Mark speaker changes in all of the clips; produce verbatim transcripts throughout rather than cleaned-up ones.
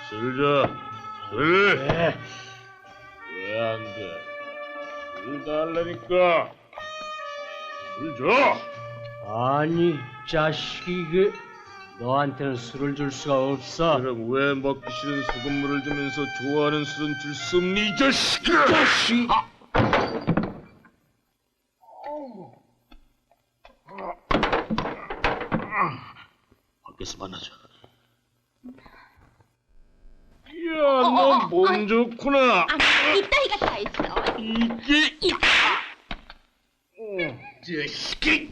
Speaker 1: 술 줘. 술.
Speaker 2: 네.
Speaker 1: 왜 안 돼? 술 달라니까. 술 줘.
Speaker 2: 아니 자식이 그 너한테는 술을 줄 수가 없어.
Speaker 1: 그럼 왜 먹기 싫은 소금물을 주면서 좋아하는 술은 줄 수 없니 이 자식아?
Speaker 2: 자식.
Speaker 1: 아. 밖에서 만나자. 야, 너 몸 좋구나.
Speaker 3: 아니, 이따위가 다 있어.
Speaker 1: 이게
Speaker 3: 이
Speaker 1: 어, 자식이.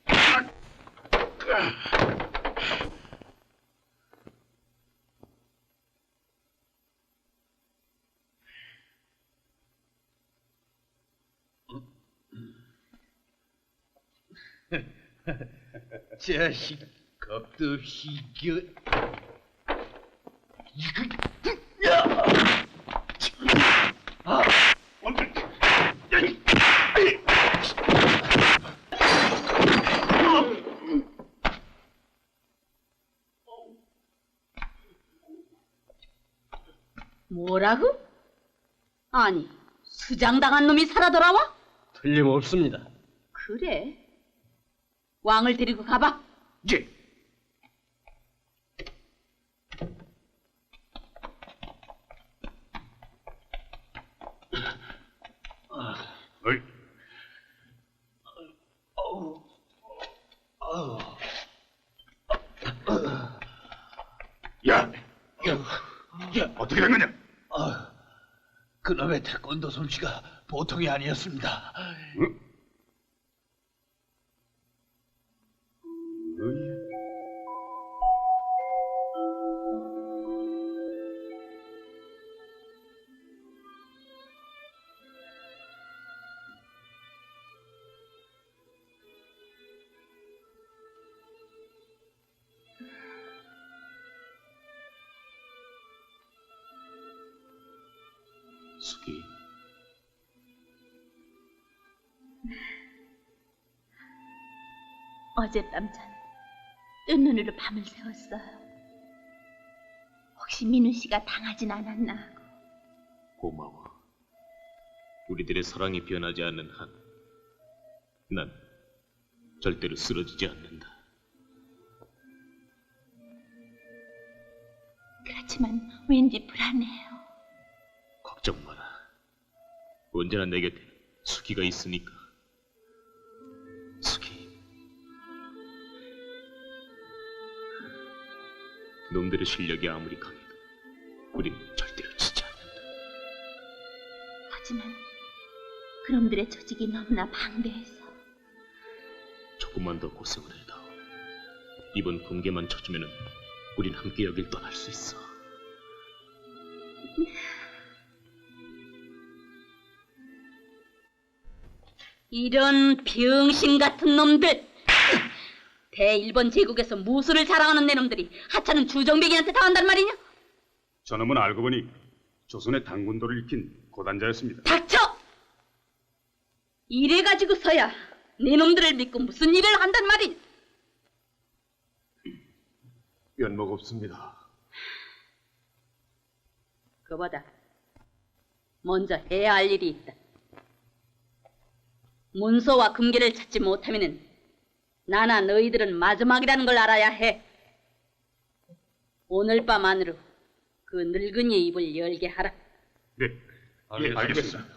Speaker 2: 자식 겁도 없이 이겨.
Speaker 3: 뭐라고? 아니, 수장당한 놈이 살아 돌아와?
Speaker 2: 틀림없습니다.
Speaker 3: 그래. 왕을 데리고 가봐.
Speaker 1: 예. 어이. 야, 야, 야, 어떻게 된 거냐?
Speaker 2: 아, 그놈의 태권도 솜씨가 보통이 아니었습니다.
Speaker 1: 응? 숙이.
Speaker 3: 어젯밤 전 뜬 눈으로 밤을 새웠어요. 혹시 민우 씨가 당하진 않았나 하고.
Speaker 1: 고마워. 우리들의 사랑이 변하지 않는 한, 난 절대로 쓰러지지 않는다.
Speaker 3: 그렇지만 왠지 불안해요.
Speaker 1: 걱정 마라. 언제나 내 곁에 수기가 있으니까. 수기. 놈들의 실력이 아무리 강해도 우린 절대로 지지 않는다.
Speaker 3: 하지만 그놈들의 조직이 너무나 방대해서.
Speaker 1: 조금만 더 고생을 해도 이번 금괴만 쳐주면은 우린 함께 여길 떠날 수 있어.
Speaker 3: 이런 병신 같은 놈들! 대일본 제국에서 무술을 자랑하는 내 놈들이 하찮은 주정뱅이한테 당한단 말이냐?
Speaker 4: 저놈은 알고 보니 조선의 당군도를 익힌 고단자였습니다.
Speaker 3: 닥쳐! 이래가지고서야 네 놈들을 믿고 무슨 일을 한단 말이냐?
Speaker 4: 면목 없습니다.
Speaker 3: 그보다 먼저 해야 할 일이 있다. 문서와 금괴를 찾지 못하면은 나나 너희들은 마지막이라는 걸 알아야 해. 오늘 밤 안으로 그 늙은이의 입을 열게 하라.
Speaker 4: 네, 알겠습니다.